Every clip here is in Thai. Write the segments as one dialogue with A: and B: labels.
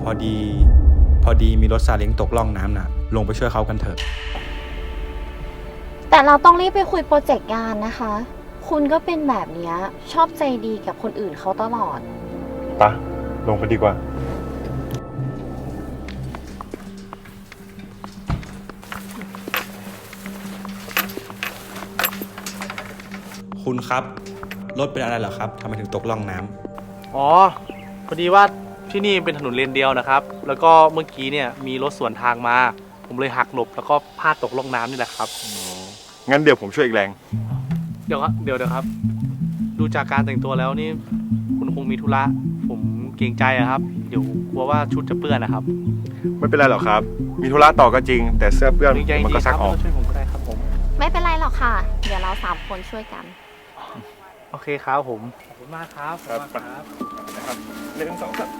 A: พอดีมีรถซาเล้งตกล่องน้ำน่ะลงไปช่วยเขากันเถอะ
B: แต่เราต้องรีบไปคุยโปรเจกต์งานนะคะ คุณก็เป็นแบบเนี้ยชอบใจดีกับคนอื่นเขาตลอด
C: ปะลงไปดีกว่า
A: คุณครับรถเป็นอะไรเหรอครับทำไมถึงตกล่องน้ำ
D: อ๋อพอดีว่าที่นี่เป็นถนนเลนเดียวนะครับแล้วก็เมื่อกี้เนี่ยมีรถสวนทางมาผมเลยหักหลบแล้วก็พลาดตกล่องน้ำนี่แหละครับ
C: งั้นเดี๋ยวผมช่วยอีกแรง
D: เดี๋ยวครับ ดูจากการแต่งตัวแล้วนี่คุณคงมีธุระผมเกรงใจอะครับเดี๋ยวกลัวว่าชุดจะเปื้อนนะครับ
C: ไม่เป็นไรหรอกครับ มีธุระต่อก็จริง แต่เสื้อเปื้อน
D: เกรงใจจ
C: มัน
D: ริ
C: ก็
D: งๆค
C: ซั
D: รั
C: ก
D: บ
C: ออก
D: ช่วยผมก็ได้ครับผม
B: ไม่เป็นไรหรอกค่ะ เดี๋ยวเรา3 คนช่วยกัน
D: โอเคครับผมขอบคุณมากครับขอบคุณมากครับ
C: นะครับหนึ่งสองสาม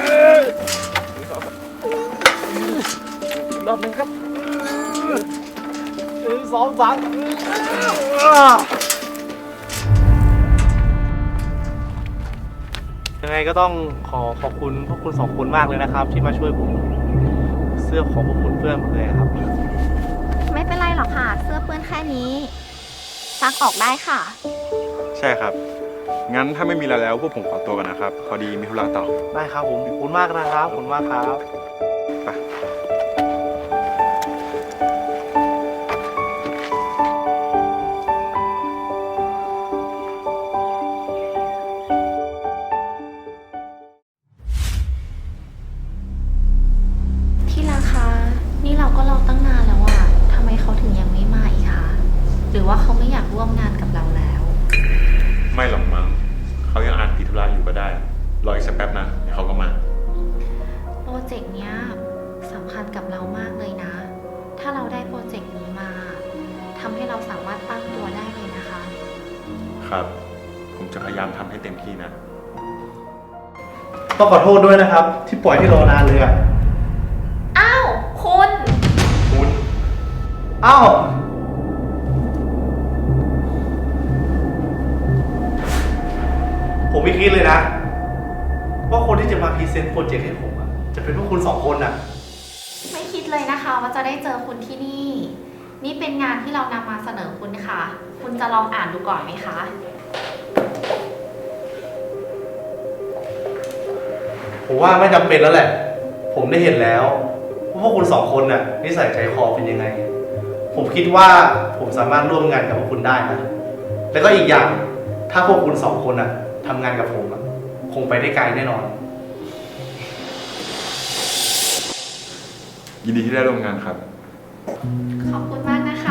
D: รอบหนึ่งครับ1 2 3ยังไงก็ต้องขอบคุณพวกคุณ2 คนมากเลยนะครับ ที่มาช่วยผมเสื้อของพวกคุณเปื้อนหมดเลยครับ
B: ไม่เป็นไรหรอกค่ะ เสื้อเปื้อนแค่นี้ซักออกได้ค่ะ
C: ใช่ครับ งั้นถ้าไม่มีอะไรแล้วพวกผมขอตัวกันนะครับ พอดีมีธุระต่อ
D: ได้ครับผมขอบคุณมากนะครับขอบคุณมากครับ
C: ไป
B: ที่รักคะนี่เราก็รอตั้งนานแล้วอะทำไมเขาถึงยังไม่มาอีกคะหรือว่าเขาไม่อยากร่วมงานกับเราแล้ว
C: ไม่หรอกมั้งเขายังอ่านติดธุระอยู่ก็ได้ รออีกสักแป๊บนะเดี๋ยวเขาก็มา
B: โปรเจกต์เนี้ยสำคัญกับเรามากเลยนะ ถ้าเราได้โปรเจกต์นี้มาทำให้เราสามารถตั้งตัวได้เลยนะคะ
C: ครับ ผมจะพยายามทำให้เต็มที่นะ
D: ต้องขอโทษด้วยนะครับ ที่ปล่อยให้รอนานเลยอ่ะ
B: อ้าวคุณ
C: คุณ
D: อ้าวผมไม่คิดเลยนะ ว่าคนที่จะมาพรีเซนต์โปรเจกต์ให้ผมอะจะเป็นพวกคุณ2 คนน่ะ
B: ไม่คิดเลยนะคะว่าจะได้เจอคุณที่นี่ นี่เป็นงานที่เรานำมาเสนอคุณค่ะ คุณจะลองอ่านดูก่อนไหมคะ
D: ผมว่าไม่จำเป็นแล้วแหละ ผมได้เห็นแล้วว่าพวกคุณ2 คนน่ะนิสัยใจคอเป็นยังไง ผมคิดว่าผมสามารถร่วมงานกับพวกคุณได้นะ แล้วก็อีกอย่างถ้าพวกคุณ2 คนน่ะทำงานกับผมอะคงไปได้ไกลแน่นอน
C: ยินดีที่ได้ร่วมงานครับ
B: ขอบคุณมากนะคะ